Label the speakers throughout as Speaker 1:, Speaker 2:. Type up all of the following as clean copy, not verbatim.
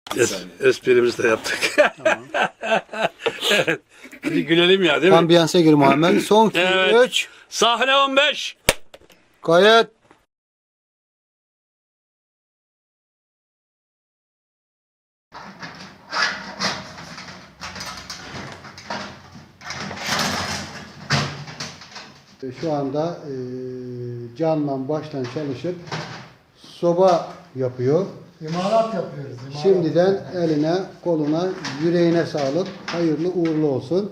Speaker 1: Esprimizi de yaptık. Evet. Hadi gülelim ya, değil mi?
Speaker 2: Ambiyansa gir Muhammed. Son 2,
Speaker 1: Evet.
Speaker 2: 3.
Speaker 1: Sahne 15.
Speaker 2: Kayıt. Şu anda canla baştan çalışıp soba yapıyor.
Speaker 3: İmalat yapıyoruz. İmalat.
Speaker 2: Şimdiden eline, koluna, yüreğine sağlık. Hayırlı uğurlu olsun.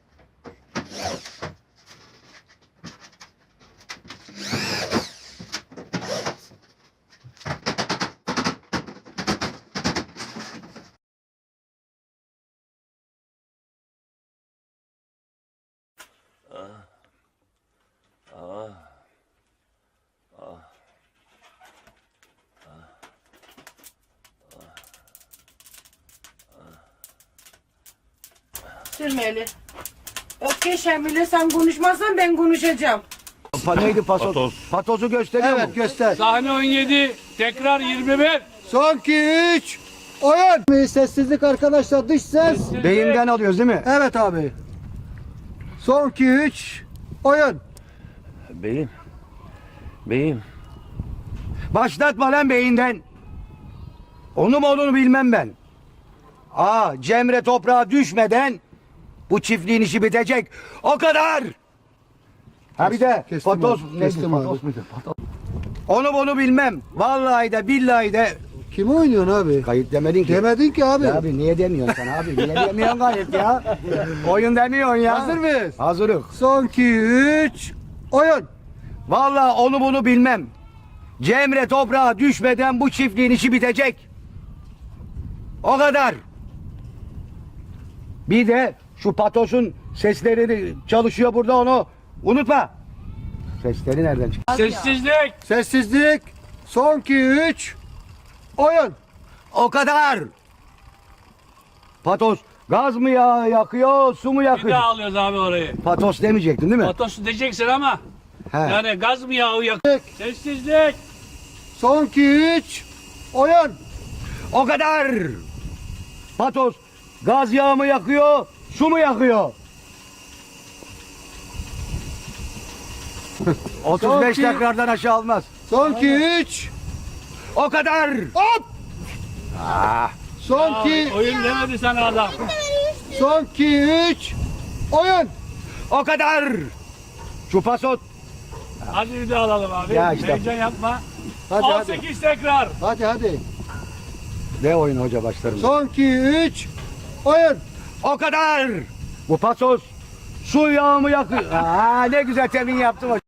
Speaker 4: Sürmeli. Okey Şemile, sen konuşmazsan ben konuşacağım.
Speaker 5: Neydi patos?
Speaker 1: Patos.
Speaker 5: Patosu gösteriyor mu?
Speaker 2: Evet, göster.
Speaker 1: Sahne 17. Tekrar 21.
Speaker 2: Son 2, 3. Oyun. Sessizlik arkadaşlar, dış ses.
Speaker 5: Beyinden alıyoruz değil mi?
Speaker 2: Evet abi. Son 2, 3. Oyun.
Speaker 5: Beyim. Başlatma lan beyinden. Onu mu olduğunu bilmem ben. Cemre toprağa düşmeden bu çiftliğin işi bitecek. O kadar. Ha bir de
Speaker 2: Kestim
Speaker 5: patos.
Speaker 2: abi,
Speaker 5: Neydi?
Speaker 2: kestim
Speaker 5: Patos
Speaker 2: abi.
Speaker 5: muydu? Patos. Onu bunu bilmem. Vallahi de billahi de.
Speaker 2: Kimi oynuyorsun abi?
Speaker 5: Kayıt demedin ki.
Speaker 2: Demedin ki abi.
Speaker 5: Ya abi niye demiyorsun sen abi? Niye demiyorsun kayıt ya? Oyun demiyorsun ya.
Speaker 2: Hazır mıyız?
Speaker 5: Hazırız.
Speaker 2: Son 2, 3. Oyun.
Speaker 5: Vallahi onu bunu bilmem. Cemre toprağa düşmeden bu çiftliğin işi bitecek. O kadar. Bir de şu patosun sesleri çalışıyor burada, onu unutma. Sesleri nereden çıktı?
Speaker 1: Sessizlik.
Speaker 2: Sessizlik. Son 2, 3. Oyun.
Speaker 5: O kadar. Patos gaz mı yakıyor, su mu
Speaker 1: Bir
Speaker 5: yakıyor?
Speaker 1: daha alıyoruz abi orayı.
Speaker 5: Patos demeyecektin değil mi?
Speaker 1: Patosu diyeceksin ama.
Speaker 5: He.
Speaker 1: Yani gaz mı yağı yakıyor? Sessizlik.
Speaker 2: Son 2, 3. Oyun.
Speaker 5: O kadar. Patos gaz yağı mı yakıyor, su mu yakıyor? 35
Speaker 2: Son
Speaker 5: tekrardan aşağı almaz.
Speaker 2: Son 2, 3.
Speaker 5: O kadar.
Speaker 2: Hop. Son 2,
Speaker 1: Oyun demedi sana adam.
Speaker 2: son 2, 3. Oyun.
Speaker 5: O kadar. Şu pasot.
Speaker 1: Hadi bir daha alalım abi.
Speaker 5: Ya işte.
Speaker 1: Heyecan yapma.
Speaker 2: Hadi
Speaker 1: 18 tekrar.
Speaker 2: hadi.
Speaker 5: Ne oyun hoca başlarım.
Speaker 2: Son 2, 3. Oyun.
Speaker 5: O kadar. Bu pasos su yağı mı yakıyor? Ne güzel temin yaptım hoca.